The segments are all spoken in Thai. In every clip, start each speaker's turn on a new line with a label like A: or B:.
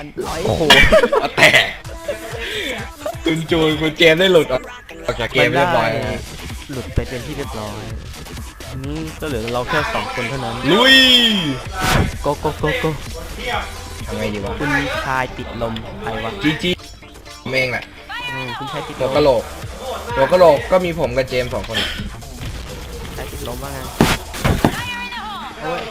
A: กันร้อย
B: โอ้โหแต่คุณจูนคุณเจมได้หลุดออกจากเกมเรียบร้อยนะ
A: หลุดไปเป็นที่เรียบร้อยนี่ก็เหลือเราแค่2 คนเท่านั้น
B: ลุย
A: โกโกโกโก
B: ทำไงดีวะ
A: คุณชายติดลมใครวะ
B: จีผมเองแหละ
A: คุณชายติดล
B: ตัว
A: ม
B: กะโหลกตัวกะโหลกก็มีผมกับเจม2 คน
A: ชายติดลมว่าไงโอ้ย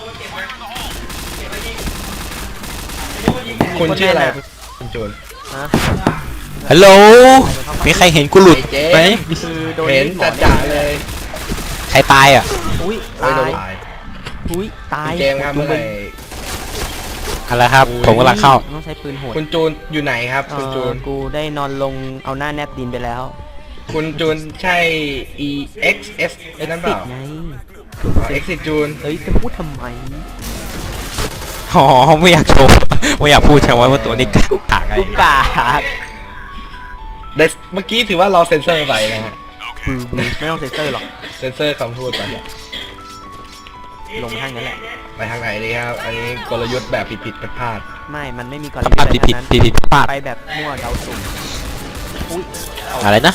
B: คุณชื่ออะไรคุณจูน
A: ฮะ
C: ฮัลโหลมีใครเห็นกูหลุด
B: ไอ้เจ๊
C: ไหม
A: คือโดน
B: เห็น
A: หมอ
B: จ่าๆเลย
C: ใครตายอ่ะ
A: อุ้ย
B: ไม่
A: ตา
B: โดน
A: ย
B: ตาย
A: อุ้ยตาย
B: คุณเจมครับเมื่อไหร่
C: อะไรครับ ผมกำลังเข้า
A: ต้องใช้ปืนโหด
B: คุณจูนอยู่ไหนครับคุณจูน
A: กูได้นอนลงเอาหน้าแนบดินไปแล้ว
B: คุณจูนใช่ EXS ไอ้นั่นเปล่า
A: ไง
B: Exit จูน
A: เฮ้ยจะพูดทำไม
C: อ๋อ ไม่อยากโชว์ ไม่อยากพูดใช่ไหมว่าตัวนี้กากไง
A: กูกาด
B: เมื่อกี้ถือว่าเราเซ็นเซอร์ไปนะฮะ
A: ไม่ต้องเซ็นเซอร์หรอก
B: เซ็นเซอร์คำพูดไป
A: ลงทางนั้นแหละ
B: ไปทางไหนดีครับ อันนี้กลยุทธ์แบบผิดๆพลาด
A: ไม่มันไม่มีกร
C: พลาด
A: ณี
C: ผิด
A: แบบนั้น
C: ผิดพลาด
A: ไปแบบมั่วเดาสุ่มอุ้ย
C: อะไรนะ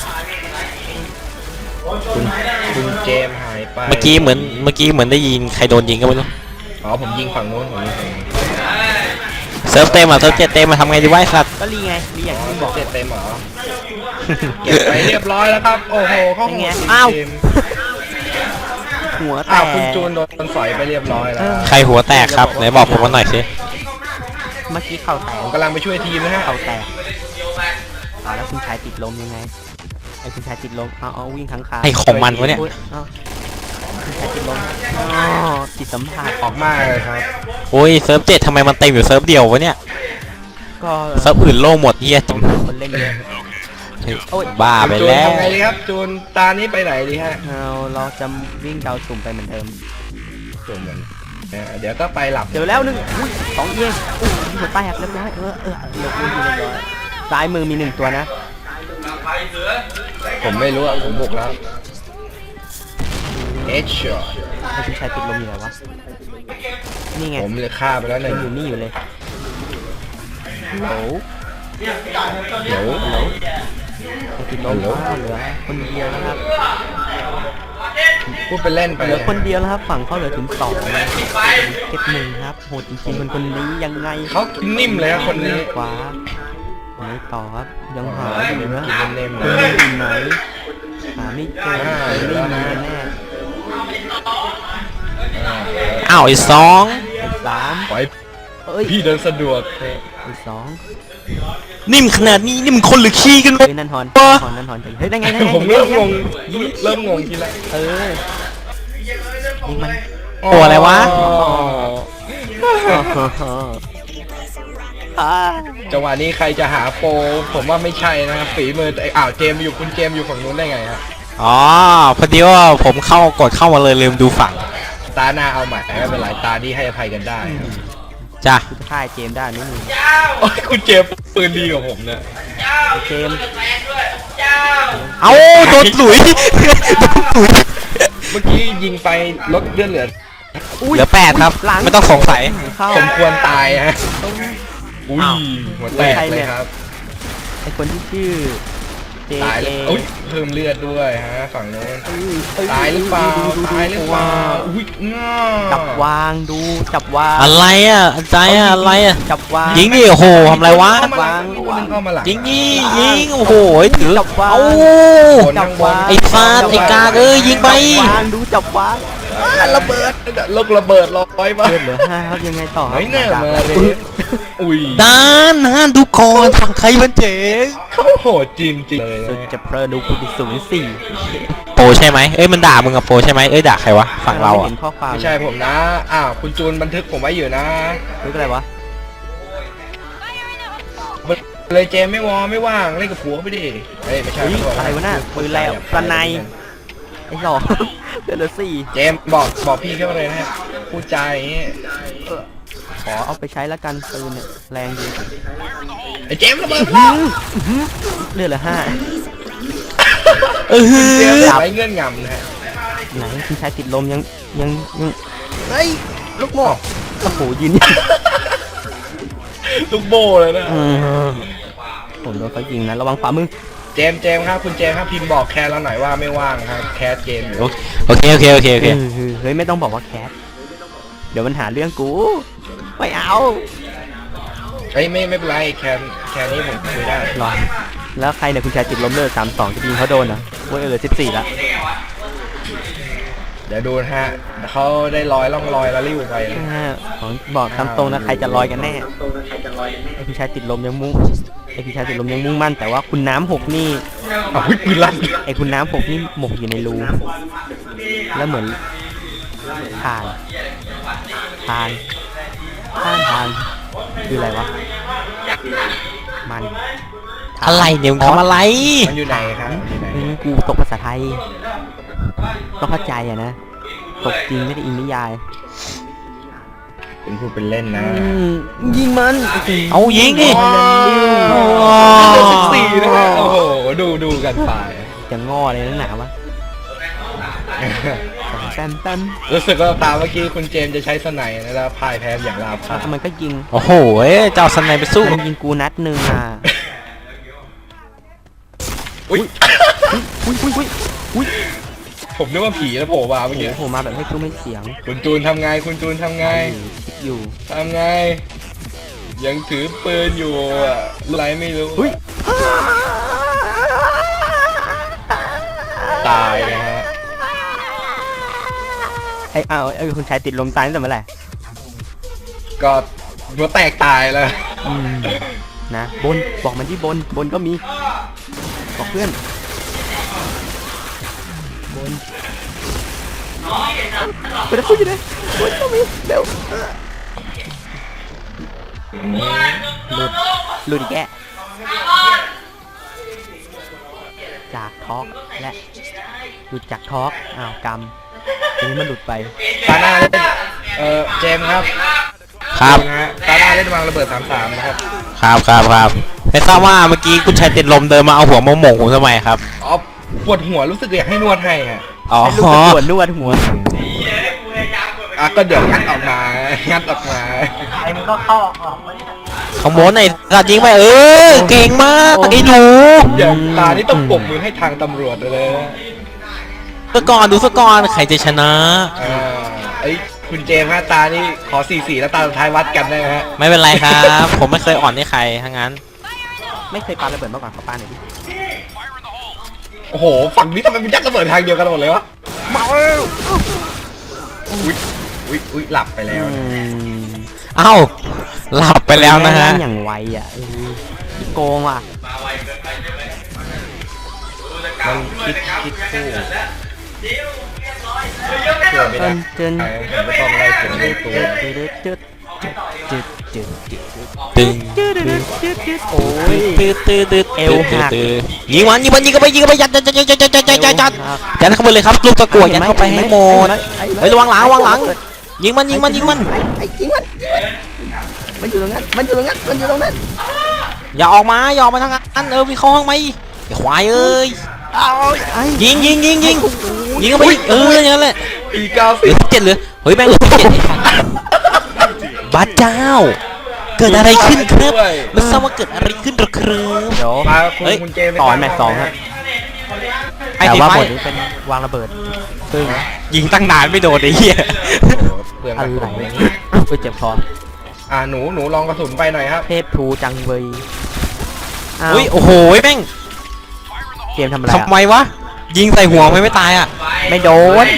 B: ๆคุณเจมส์หายไป
C: เมื่อกี้เหมือนได้ยินใครโดนยิงก็ไม่รู้
B: อ๋อผมยิงฝั่งโน้นผมยิงฝั่งนี้
C: เซิร์ฟเต็มอ่ะเซิร์ฟเจ็ดเต็มมาทำไงดีวะไอ้สัตว์
A: ก็รีไงรีอย่างที่มึงบอก
B: เจ็ดเต็มเหรอ เก็บไปเรียบร้อยแล้วครับ โอ้โหเข้า
A: เป็น
B: หั
A: ไง
B: ว
A: อ้าว
B: เจมส์
A: หัวแต
B: อ้าว
A: ก
B: คุณจูนโดนสอยไปเรียบร้อยแล้ว
C: ใครหัวแตกครับไหนบอกผมมาหน่อยสิ
A: เมื่อกี้เข่าแตก
B: ผมกำลังไปช่วยทีมนะฮะ
A: เข่าแตกเอาแล้วคุณชายติดลมยังไงไอ้คุณชายติดลมเอาวิ่งข้างคา
C: ไอ้ของมันวะเนี่ย
A: อุ๊เอาคุณชายติดลมอ๋อจิตสัมผัส
B: ออกมาเลยครับ
C: โอ้ยเซิร์ฟเจ็ดทำไมมันเต็มอยู่เซิร์ฟเดียววะเนี่ย
A: ก็
C: เซิร์ฟอื่นโล่งหมดเฮีย
A: คนเล่นเยอะ โอ้ย
C: บ้าไป
B: จูน
C: แล้ว
B: ทำไงดีครับ จูนตานี้ไปไหนดีฮะ
A: เราจะวิ่งเดาสุ่มไปเหมือนเดิม
B: จูนเหมือนเดี๋ยวก็ไปหลับ
A: เจอแล้ว1อุ้ย2เองอุ้ยหัวแตกเรียบร้อยเรียบร้อยซ้ายมือมี1ตัวนะ
B: ผมไม่รู้อ่ะผมบุกแล้วเอชช็อต
A: ไอ้คุณชายติดลมอยู่ไหนวะนี่ไง
B: ผมเลยฆ่าไปแล้วห
A: มั
B: นึ่ง
A: นอยู่นี่อยู่เลยโหล
B: เดี๋ยว
A: ติดลมเหลือคนเดียวนะครับ
B: พูดไปเล่นไป
A: เหลือคนเดียวแล้วครับฝั่งเขาเหลือถึง2นะเก็บ1ครับโหดจริงๆคนนี้ยังไง
B: เขากินนิ่มเลยครับคนนี้
A: ขวาไหนต่อครับยังหาอยู่นะ
B: กินเล่มๆ
A: คุณ
B: เลย
A: อยู่ไหนหาไม่เจอไม่มีแน่
C: อ้าวไอ้สอง
A: ไอ้สาม
B: ปล่อย
A: เอ้ย
B: พี่เดินสะดวก
A: ไอ้สอง
C: นิ่มขนาดนี้นี่มันคนหรือขี้กันวะ
A: เฮ้ยนั่นฮอนจังเฮ้ยได้ไง
B: ผมเริ่มงงเริ่มงงทีละ
A: เออนี่มัน
C: ตัวอะไรวะ
B: จังหวะนี้ใครจะหาโปรผมว่าไม่ใช่นะครับฝีมือแต่อ้าวเจมส์อยู่คุณเจมส์อยู่ฝั่งนู้นได้ไงฮะ
C: อ๋อพอดีว่าผมกดเข้ามาเลยลืมดูฝั่ง
B: ตาหน้าเอาใหม่ไม่เป็นไรตาที่ให้อภัยกันได้ครับ
C: จ้ะ
A: กูจะฆ่าไอ้เจมส์ได้นี่มึง
B: โอ้ยคุณเจมส์ปืนดีกว่าผมนะ
A: ไอ้เจมส์
C: เอาโดนหลุยโดนหลุย
B: เมื่อกี้ยิงไปลดเลือดเหลือ
C: เหลือ8ครับ
A: หลัง
C: ไม่ต้องสงสัย
A: เข้า
B: สมควรตายฮะอุ้ยหัวแตกเลยครับ
A: ไอ้คนที่ชื่อเจ
B: ตาย
A: เจ
B: แล้วอุ้ยเพิ่มเลือดด้วยฮะฝั่งโน้นตายหรือเปล่าตายหรือเปล่าอุ้ยง่า
A: จับวางดูจับวาง
C: อะไรอ่ะใจอ่ะอะไรอ่ะ
A: จับวาง
C: ยิงดิโอ้โหทำไรวะ
B: วางเข้ามาหลัง
C: ยิงยิงโอ้โหถือ
A: จับวาง
C: เอา
A: จับวาง
C: ไอ้ฟาดไอ้กากยิงไป
A: จับวางดูจับวาง
B: ระเบิดลูกระเบิดลอยมา
A: เลือดเหลือ5ครับยังไงต่อ
B: เฮ้ยเนี่ยมาเลยอุ้ย
C: ด้านดูก่อนฝั่งใครมันเจ๋ง
B: เขาโหดจริงจริงเลย
A: สุด
B: นะ
A: จะเพลินดูคุณดิ04
C: โปรใช่ไหมเอ้ยมันด่ามึงกับโปรใช่ไหมเอ้ยด่าใครวะฝั่งเรา
A: ไม่
C: อ่ะ
A: เห็นข้อความ
B: ไม่ใช่ผมนะอ้าวคุณจูนบันทึกผมไว้อยู่นะ
A: คืออะไรวะ
B: เลยเจมไม่ว่างเล่นกับผัวไปดิเฮ้ยไม่ใช่
A: เฮ้ยอะไรวะน่ะปืนแล้วปลาในไอ้หลอกเลือดเหลือ4
B: เจมบอกพี่เข้าเลยนะฮะพูดใจาอย่างงี้
A: ขอเอาไปใช้แล้วกันปืนเนี่ยแรงดี
B: ไอ้เจมระเบิดแล้ว
A: เลือดเหลือ5
B: เจมไว้เงื่อนงำนะฮะ
A: ไหนคุณชายติดลมยังเฮ้ยลูกโม่โอ้โหยืน
B: ลูกโบเลยนะ
A: ผมโดนเขายิงนะระวังขวามือ
B: เจมส์ครับคุณเจมส์ครับพิมพ์บอกแคสเราหน่อยว่าไม่ว่างครับแคสเกมอยู่
C: โอเค
A: เฮ้ยไม่ต้องบอกว่าแคทเดี๋ยวมันหาเรื่องกูไม่เอา
B: เฮ้ยไม่เป็นไรแคนนี้ผมคุยได้
A: หรอแล้วใครเนี่ยคุณชายติดล้มเลิก3-2จะยิงเขาโดนเหรอโว้ย14ละ
B: เดี๋ยวดูนะฮะเขาได้ล่องลอยแล้วริ้วไปนะ
A: ของบอกตามตรงนะใครจะลอยกันแน่ไอคุณชายติดลมยังมุ่งมั่นแต่ว่าคุณน้ำหกนี่
B: อ้าวเฮ้ยปืนลั่น
A: ไอคุณน้ำหกนี่หมกอยู่ในรูแล้วเหมือนผ่านคืออะไรวะมัน
C: อะไรเนี่ยมึงทำอะไร
B: มันอยู่ไหนครับมันอยู่ไหน
A: กูตกภาษาไทยต้องเข้าใจอะนะตกจริงไม่ได้อินนิยาย
B: คุณพูดเป็นเล่นนะ
A: ยิงมัน
C: เอายิงดิ
B: 14นะฮะโอ้โหดูกันไป
A: จะง้ออะไรนักหนาวะแต้ม
B: รู้สึกว่าตามเมื่อกี้คุณเจมส์จะใช้สไนด์นะแล้วพ่ายแพ้อย่างราบคาบ
A: มันก็ยิง
C: โอ้โหเจ้าสไนไปสู้
A: มันยิงกูนัดหนึ่งอ่ะ
B: อุ้ย
A: อุ้ย
B: ผมนึกว่าผีแล้วโผล่มาเมื่อกี้
A: โอ้โหมาแบบให้กูไม่เสียง
B: คุณจูนทำไงคุณจูนทำไง
A: คิดอยู่
B: ทำไง ยังถือปืนอยู่อะอะไรไม่รู้
A: อุ้ย
B: ตายนะฮะ
A: ไอ้คุณชายติดลมตายตั้งแต่เมื่อไหร่
B: ก็หัวแตกตายแล้ว
A: นะบนบอกมันที่บนก็มีบอกเพื่อนบนไปแล้วอยู่ไหนบนก็มีเร็วหลุดอีกแกจากทอล์กและหลุดจากทอล์กอ้าวกรรมทีนี้มันหลุดไป
B: ตาหน้าเล่นเจมส์ครับ
C: ครับ
B: นะฮะตาหน้าเล่นวางระเบิด33นะครับ
C: ครับไม่ทราบว่าเมื่อกี้คุณชายติดลมเดินมาเอาหัวมาหม่งผมทำไมครับ
B: อ๋อปวดหัวรู้สึกอยากให้นวดให้ฮะ
C: อ๋อ
A: ให้ลูกตะกรวดนวดหัว
B: อ่ะก็เดี๋ยวงัดออกมา
C: ขโมยไอ้สัตว์ยิงไปเก่งมากไอ้หนู
B: เดี๋ยวตานี่ต้องปรบมือให้ทางตำรวจเลยนะ
C: ดูก่อนใครจะชนะ
B: ไอ้ยคุณเจมส์ฮะตานี่ขอ4-4แล้วตาสุดท้ายวัดกันได้ไหมฮะ
C: ไม่เป็นไรครับ ผมไม่เคยอ่อนให้ใครทั้งนั้น
A: ไม่เคยปาระเบิดมาก่อนขอปาหน่อยดิ
B: โอ้โหฝั่งนี้ทำไมมันยัดระเบิดทางเดียวกันหมดเลยวะมาแล้วอุ้ยหลับไปแล้วนะ
C: เอ้าหลับไปแล้วนะฮะ
A: อย่างไวอ่ะโกงว่ะ
B: มันคิดคู่เชื่อไม่ได้ผมไม่ต้องไล่เก็บดูตัว
C: ตึง
A: โอ้ย
C: ตืด
A: เอวหัก
C: ยิงมันเข้าไปยัดเข้าไปเลยครับลูกตะกั่วยัดเข้าไปให้หมดเฮ้ยระวังหลังยิงมัน
A: ไอ้ยิงมันมันอยู่ตรงนั้น
C: อย่าออกมาทางนั้นวิ่งเข้าห้องไหมไอ้ควายเอ้ย ยิงเข้าไปอย่างนั้นแหละ
B: ปี
C: เหลือ17เหลือเฮ้ยแม่งเหลือ17บ้าเจ้า เกิดอะไรขึ้นครับไม่ทราบว่าเกิดอะไรขึ้นหรอครับ
A: เดี๋ยว
B: มา
C: เฮ้ย
B: คุณเจมส์
A: ต่อแมตช์2ฮะ
C: ไอ้
A: แต่
C: ตี
A: ว่า
C: ไฟ
A: บทนี้เป็นวางระเบิดซึ่ง
C: ยิงตั้งนานไม่โดนไอ้เหี้ย
B: เปลือง
A: อะ
B: กระ
A: ไร
B: สุน
A: ไปเจ็บคอ
B: หนูลองกระสุนไปหน่อยครับ
A: เทพทูจังเบย
C: อุ้ยโอ้โหแม่ง
A: เกมทำอะไร
C: ทำไมวะยิงใส่หัวไม่ตายอ่ะ
A: ไม่โดน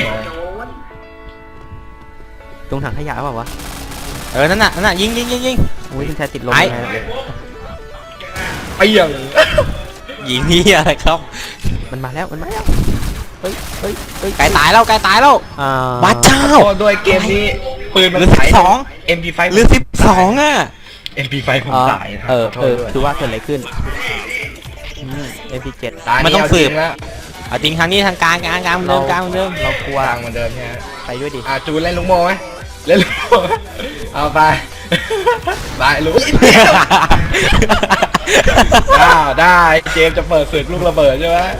A: ตรงถังขยะเปล่าวะ
C: นั่นน่ะยิง
A: อุ้ยคุณชายติดลม
C: ไอ้
A: ยังไง
B: ไปอย่าง
C: ยิงนี่อะไรครับ
A: มันมาแล้วเฮ้ย
C: ไก่ตายแล้วบ้าเจ้า
B: ก็โดยเกมนี้ปืนมัน
C: เหลือ
B: ขาย
C: 12
B: MP5
C: เหลือ12อ่ะ
B: MP5 ผมตายนะ
A: คือว่าเกิดอะไรขึ้นMP7
B: ตาย
C: มันต้องสืบ
B: แล้ว
C: เอาจริงทางนี้ทางกลางเหมือนเดิม
A: เรากลัว
B: ทางเหมือนเดิมใช่ไหม
A: ไปด้วยดิ
B: จูนเล่นลุงโมไหมเล่นลุงโมเอาไปไปลุงได้เจมส์จะเปิดศึกลูกระเบิดใช่ไหม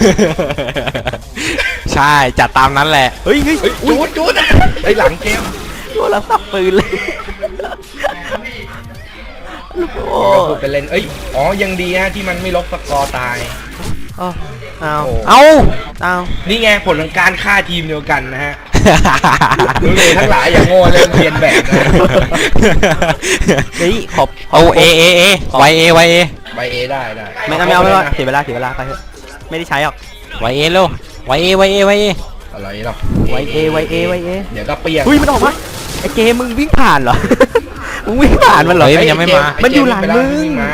C: ใช่จัดตามนั้นแหละ
A: เฮ้ย
B: จูนไอหลังเกม
A: โดนเราสับปืนเลยโอ้
B: พูดไปเล่นเอ้ยอ๋อยังดีฮะที่มันไม่ลบสกอร์ตาย
A: เอา
B: โอ้
C: เอา
A: เอา
B: นี่ไงผลของการฆ่าทีมเดียวกันนะฮะดูเลยทั้งหลายอย่างโง่เล่นเรียนแบบนะ
A: เฮ้ยขอบ
C: เอาเอไวเอ
B: ใบเอได้
A: ไม่เอาไม่เอาเสียเวลาไปเถอะไม่ได้ใช้หรอก
C: ไวเอเร็วไวเอ
B: อะไรหรอก
A: ไวเอ
B: เดี๋ยวก็เปลี่ยน
A: เฮ้ยมันออกมาไอเกมมึงวิ่งผ่านเหรอ มึงวิ่งผ่านมันเหรอ
C: เฮ้ยมันยังไม่มา
A: มันอยู่หลังมึง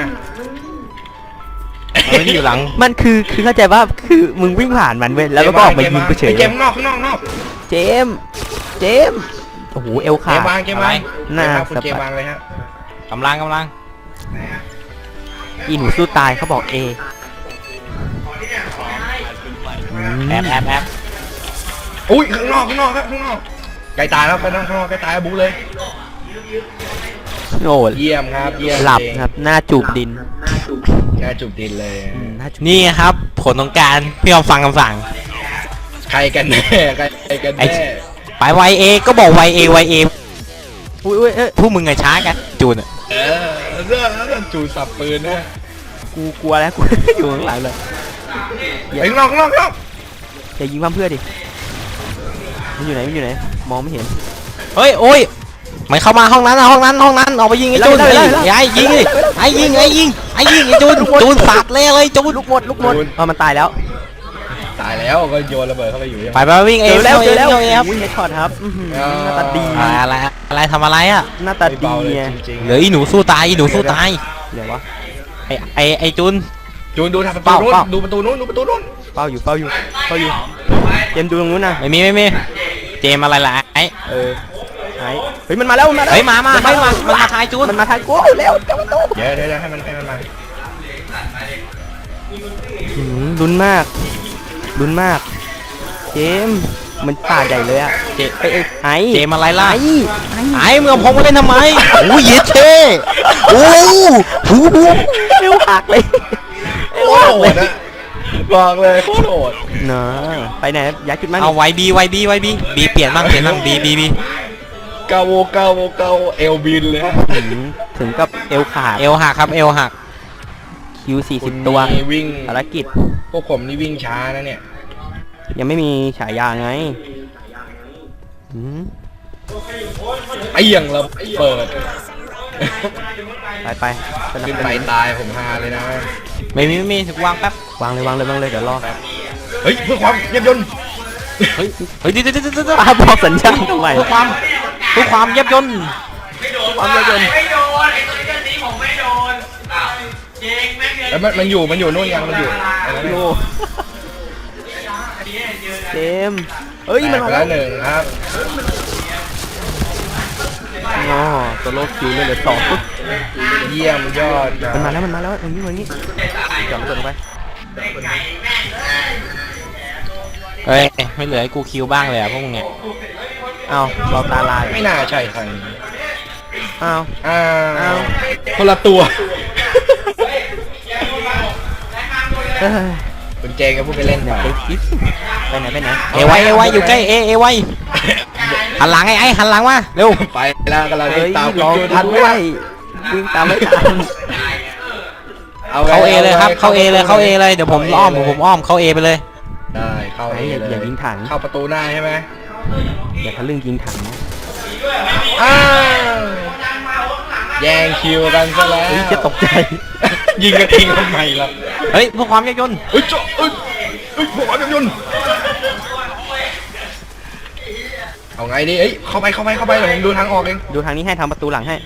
C: มันอยู่หลัง
A: มันคือเข้าใจว่าคือมึงวิ่งผ่านมันเว้ยแล้วก็ออกมายิงกูเฉย
B: เกมนอกข้างนอก
A: เจมโอ้โหเอล
B: เก
A: ขาด
B: มวาง
A: หน้า
B: คุณ
A: ส
B: เกม
A: บายว
B: างเลยฮะ
C: กำลัง
A: อีหนูสู้ตายเขาบอกเอ
C: แอบ
B: อุ้ยข้างนอกครับข้างนอกไกลตายแล้วข้างนอกไกลตายบูเลย
A: โอ้
B: เยี่ยมครับเยี่ยม
A: หลับครับหน้าจูบดิน
B: น่าจุบดินเลย
A: หน้าจูบ
C: นี่ครับผลของการพี่ยอมฟังคำสั่ง
B: ใครกันแน่ใครกันแน่
C: ไปไวเอก็บอกไวเอ
A: อุ้ยเอ้ย
C: พวกมึงไงช้ากันจูนอะ
B: เรื่องจูสับปืนนะ
A: กูกลัวแล้วกู อยู่ข้างหลังเลย
B: ข้างนอก
A: อย่ายิงความเพื่อดิมันอยู่ไหนมองไม่เห็น
C: เฮ้ยโอ้ยมันเข้ามาห้องนั้นออกไปยิงไอ้จูนไอ้ยิงไอ้จูนสัตว์เลยจูน
A: ลูกหมดมันตายแล้ว
B: ตายแล้วก็โยนระเบิดเข้าไปอยู่ยัง
C: ไปวิ่งเอ
A: เจอแล้ว
C: ครับ
A: อุ้ยเฮดช็อตครับหน้าตาดี
C: อะไรทำอะไรอ่ะ
A: หน้าตาดีไง
B: จริง
C: เหลืออีหนูสู้ตาย
A: เดี๋ยววะ
C: ไอ้จูน
B: จูนดูทางประตูนู้นดูประตูนู้น
A: เฝ้าอยู่เจมดูตรงนู้นนะ
C: ไม่มีเจมอะไรล่ะไอ้
A: เฮ้ยมันมาแล้ว
C: เฮ้ยมาทายจูน
A: มันมาทางกูเร็ว
B: เดี๋ยวให้มันมา
A: ลุ้นมากเจมมันป่าใหญ่เลยอะ
C: เจมอะไรล่ะ
A: ไอ้
C: เมื่อผมมาเล่นทำไมโอ้ยเย็ดเท่โอ้หู
A: เร็วหักเลย
B: โคตรโหดนะบอกเลยโคตรโหด
A: เนาะไปไหนย้ายจุดมา
C: เอาไวบีบีเปลี่ยนบ้างบี
B: เกาเอลบินเลยฮะ
A: ถึงกับเอวขาด
C: เอวหักครับเอวหัก
A: คิว40 ตัว
B: วิ่ง
A: ภารกิจ
B: พวกผมนี่วิ่งช้านะเนี่ย
A: ยังไม่มีฉายาไง
B: ไอ้ยังเราเปิด
A: ไปสนับ
B: ขึ้น
A: ส
B: ไป
A: นุน
B: ตายผมฮาเลยนะ
C: ไม่มีถึงวางแป๊บ
A: วางเลยเดี๋ยวรอ
B: เฮ้ยเพื่อความเยียบยนต์
C: เฮ้ยเดี๋ยว
A: บอกสัญญาณทำไม
C: เพื่อความเย็บยนต์
A: ความเย็บยนต์
D: ไม่โดนไอ้ตัวนี้ผมไม่โดนเจ๊งแม่งเลย
B: แล้วมันอยู่นู่นยังมันอยู่
A: โอ้เจมเฮ้ยมันมา
B: แล้
A: แล้ว ว
B: หนึ่งครับ
A: อ๋อตัวโลคิวเลยเหลือ2
B: เยี่ยมยอด
A: มันมาแล้วอย่างนี้จอดระเบิดลงไป
C: เฮ้ยไม่เหลือให้กูคิวบ้างเลยอะพวกมึงเนี่ย
A: เอาเราตาลาย
B: ไม่น่าใช่ใคร
A: เอา
B: อ้าวคนละตัว
A: เฮ้ย
B: คุณเจงก็พูดไปเล่น
A: อย่า
B: ไป
A: ไปคิดไปไหน
C: เอไวอยู่ใกล้เอไวหันหลังไอ้หันหลังมาเร็ว
B: ไปแล้วกำลัง
A: เฮ้ย
B: ตาม
A: รอ
B: คุณ
A: ทันไม่ได้วิ่งตามไม่ทัน
C: เข้าเอเลยครับเข้าเอเลยเดี๋ยวผมอ้อมเข้าเอไปเลย
B: ได้เข้าเอเลย
A: อย่ายิงถัง
B: เข้าประตูหน้าใช่ไหม
A: อย่าทะลึ่งยิงถังนะ
B: อ้าวแย่งคิวกันซะแล้ว
A: เฮ้ยจะตกใจ
B: ยิงกระทิงทำไมล่ะ
C: เฮ้ยเพื่อความเย็บยนต์
B: เฮ้ยพวกมันยนต์เอาไงดีเอ้ยเข้าไปเดี๋ยวผมดูทางออกเอง
A: ดูทางนี้ให้ทำประตูหลังให้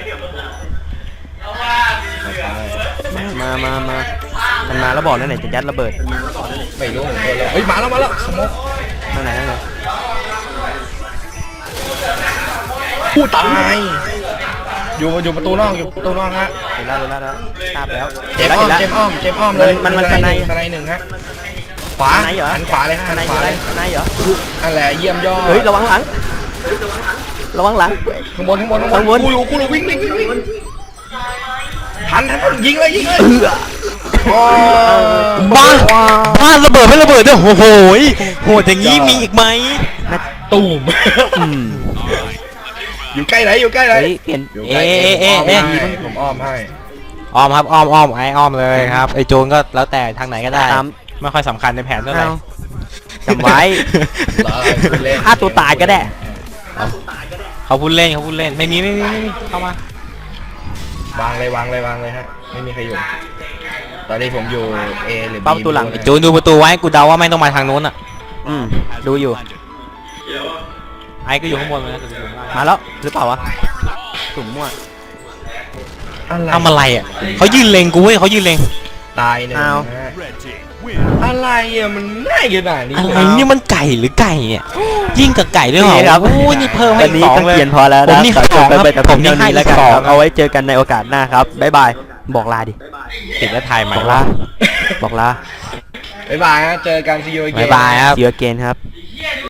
A: มามันมาแล้วบอกนั่นไหนจะยัดระเบิด
B: ไม่รู้ผมเลยเฮ้ยมาแล้วสมอง
A: ทางไหน
B: ผู้ตายอยู่ประตูนอกฮะ
A: เห็นแล้วทราบแล้ว
B: เจมอ้อมเลย
A: มันสไน
B: สไนหนึ่งฮะขวา
A: สไนเหรอ
B: หันขวาเลยฮะ
A: ส
B: หัน
A: ไน
B: ขวาเลย
A: สไนเหรอ
B: นั่นแหละเยี่ยมยอด
A: เฮ้ยระวังหลัง
B: ข้างบนกูรู้วิ่งทันยิงเลย
C: บ้านระเบิดไม่ระเบิดด้วยโอ้โหโหดอย่างนี้มีอีกไหม
B: ตูม
A: อืม
B: ออยู่ใกล้ไหนอยู่ใกล้ไหน
A: เฮ้ยเปลี่ยน
B: อยู่ใกล้ผมอ้อมให้
C: อ้อมครับอ้อมไอ้อ้อมเลยครับไอ้โจรก็แล้วแต่ทางไหนก็ได้
A: ตาม
C: ไม่ค่อยสำคัญในแผนเท่าไหร่
A: เอาจำไว้
B: เล่น
A: ฆ่าตัวตายก็ได้
C: เขาพูดเล่นไม่มีเข้ามาว
B: างเลยฮะไม่มีใครอยู่ตอนนี้ผมอยู่ A หรือ B
A: เป้าประตูหลัง
C: ไอ้โจรดูประตูไว้กูเดาว่าไม่ต้องมาทางนู้นอ่ะ
A: ดูอยู่
C: ไอ้ก็อยู่ข้างบนเลยนะ
A: มาแล้วหรือเปล่าวะสุ่มมั่ว
C: ทำอะไรอ่ะเขายืนเล็งกูเว้ยเขายืนเล็ง
B: ตายหนึ่ง
A: เอา
B: ฮะอะไรอ่ะมันง่ายขนาดนี้
C: อะไร
B: เลย
C: นี่มันไก่หรือไก่เนี่ยยิ่งกับไก่ด้วยเหรอ
A: นี่ครับ
C: โอ้ยนี่เพิ่มให้
A: วันนี้
C: สอง
A: ก็
C: เลย
A: เขียนพอแล้ว
C: ผม
A: นะ
C: นี่
A: ขอจบ
C: ให้
A: ไป
C: สอง
A: แต่
C: ครับ
A: เพียงเท่านี้แล้วกัน
C: ผมนี่ให้
A: ครับ
C: 2
A: เอาไว้เจอกันในโอกาสหน้าครับบ๊ายบายบอกลาดิ
C: ติดแล้วถ่ายใหม่
A: บอกลาบอกลา
B: บ๊ายบายฮะเจอกัน see you again
C: บ๊ายบายครับ
A: See you again ครับ